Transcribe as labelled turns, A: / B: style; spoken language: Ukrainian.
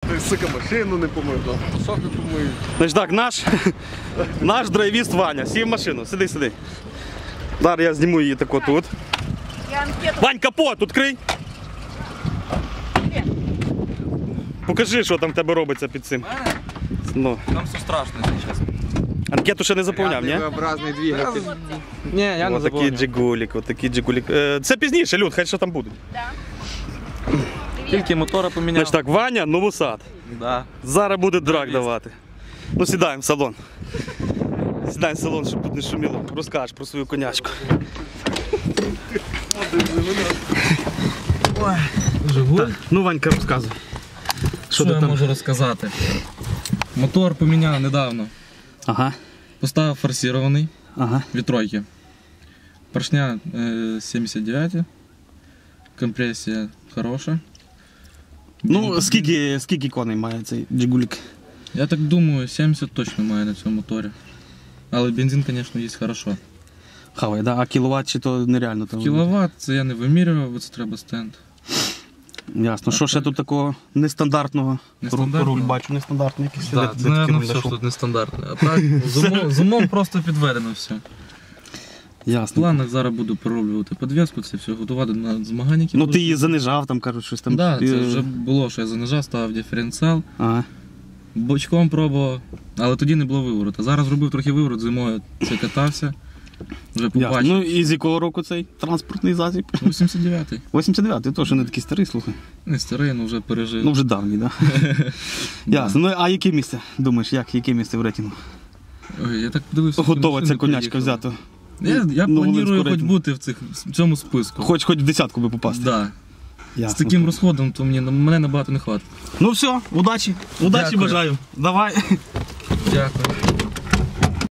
A: Ти, сука, машину не помив, соки помив.
B: Значить так, наш драйвіст Ваня сів в машину. Сиди. Зараз я зніму її тако тут. Вань, капот, відкрий. Покажи, що там в тебе робиться під цим. Ну.
C: Там все страшно, якщо чесно.
B: Анкету ще не заповняв, ні?
A: Образний двигатель.
C: Ні, я не
B: Отакий джигулік, отакий джигулік. Це пізніше, Люд, хай що там буде.
C: Тільки мотора поміняв.
B: Значить так, Ваня, новосад.
C: Да.
B: Зараз буде драк давати. Ну, сідаємо в салон. Сідаємо в салон, щоб тут не шуміло. Розкажеш про свою конячку.
C: Жигуль?
B: Ну, Ванька, розказуй.
C: Що я можу розказати? Мотор поміняв недавно.
B: Ага.
C: Поставив форсирований від тройки. Поршня 79. Компресія хороша.
B: Ну, скільки коней має цей джигулік?
C: Я так думаю, 70 точно має на цьому моторі. Але бензин, звісно, є хорошо.
B: Хавай, да? А кіловат чи то нереально? Там
C: Кіловат це я не вимірював, бо це треба стенд.
B: Ясно. Що ще тут такого нестандартного?
C: Нестандартного?
B: Руль бачу нестандартний якийсь.
C: Так, це, мабуть, все, що тут нестандартне. А так, з умом просто підведено все. В
B: Ясно.
C: планах зараз буду пророблювати підвіску, це все готувати на змагання.
B: Ну ти її занижав, там кажуть, щось там.
C: Так, це вже було, що я занижав, ставив диференціал.
B: Ага.
C: Бочком пробував, але тоді не було виворота. Зараз робив трохи виворот, зимою це катався. Вже побачив.
B: Ну і з якого року цей транспортний засіб?
C: 89-й.
B: 89-й, то що не такий старий, слухай.
C: Не старий, але вже пережив.
B: Ну вже давній, так? Ясно. Ну а яке місце? Думаєш, яке місце в рейтингу?
C: Ой, я так подивився.
B: Готова ця конячка взята.
C: Я планую хоч бути в цьому списку.
B: Хоч в десятку би попасти.
C: Так.
B: Ясно.
C: З таким розходом, то мене набагато не хватить.
B: Ну все, удачі. Удачі
C: Дякую.
B: бажаю. Давай.
C: Дякую.